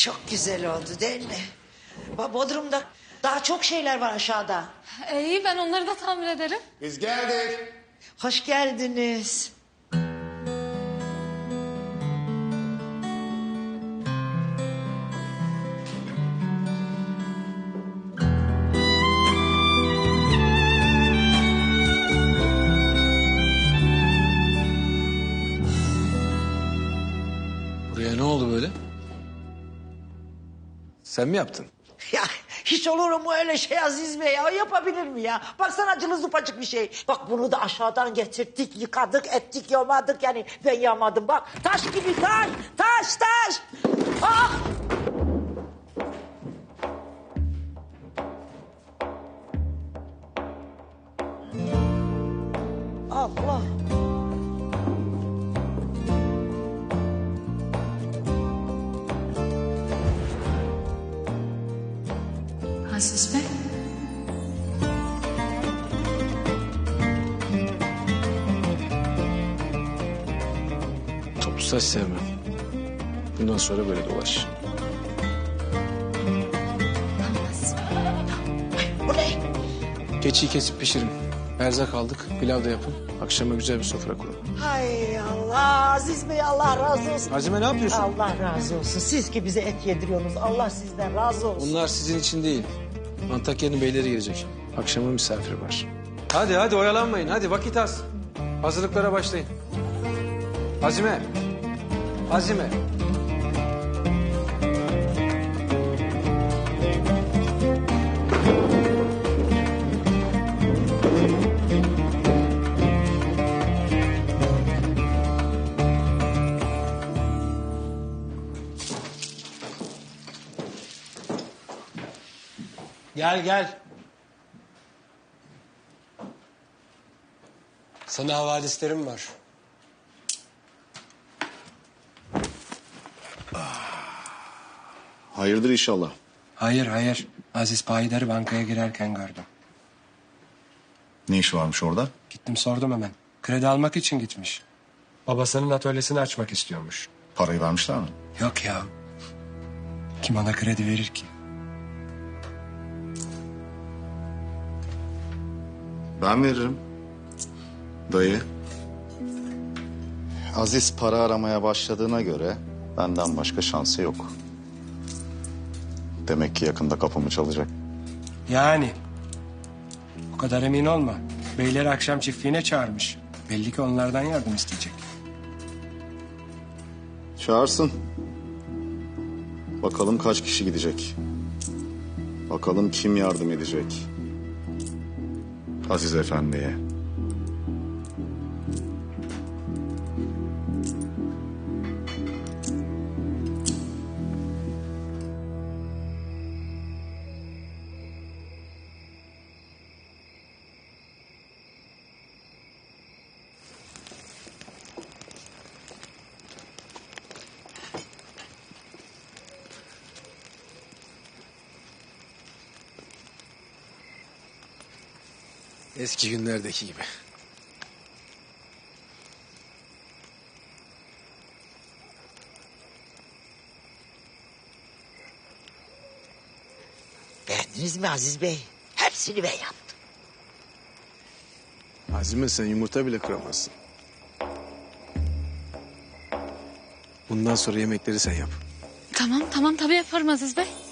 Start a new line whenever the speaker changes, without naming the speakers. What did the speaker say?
Çok güzel oldu değil mi? Bodrum'da daha çok şeyler var aşağıda.
İyi, ben onları da tamir ederim.
Biz geldik.
Hoş geldiniz.
Buraya ne oldu böyle? Sen mi yaptın?
Ya hiç olur mu öyle şey Aziz Bey ya? Yapabilir mi ya? Baksana cılız zıpacık bir şey. Bak bunu da aşağıdan getirdik, yıkadık, ettik, yamadık. Yani ben yamadım bak. Taş gibi taş, taş. Ah! Allah.
Aziz Bey.
Toplu saç sevmem. Bundan sonra böyle dolaş.
Bu ne?
Keçiyi kesip pişirin. Erzak aldık. Pilav da yapın. Akşama güzel bir sofra kurun.
Hay Allah Aziz Bey Allah razı olsun.
Azime ne yapıyorsun?
Allah razı olsun. Siz ki bize et yediriyorsunuz. Allah sizden razı olsun.
Bunlar sizin için değil. Antakya'nın beyleri gelecek. Akşama misafir var. Hadi oyalanmayın. Hadi vakit az. Hazırlıklara başlayın. Azime.
Gel. Sana havadislerim var.
Hayırdır inşallah.
Hayır. Aziz Payidar'ı bankaya girerken gördüm.
Ne iş varmış orada?
Gittim sordum hemen. Kredi almak için gitmiş. Babasının atölyesini açmak istiyormuş.
Parayı vermişler mi?
Yok ya. Kim ona kredi verir ki?
Ben veririm. Dayı. Aziz para aramaya başladığına göre benden başka şansı yok. Demek ki yakında kapımı çalacak.
Yani. O kadar emin olma. Beyleri akşam çiftliğine çağırmış. Belli ki onlardan yardım isteyecek.
Çağırsın. Bakalım kaç kişi gidecek. Bakalım kim yardım edecek. Aziz Efendi'ye.
Eski günlerdeki gibi.
Beğendiniz mi Aziz Bey? Hepsini ben yaptım.
Azime sen yumurta bile kıramazsın. Bundan sonra yemekleri sen yap.
Tamam tabii yaparım Aziz Bey.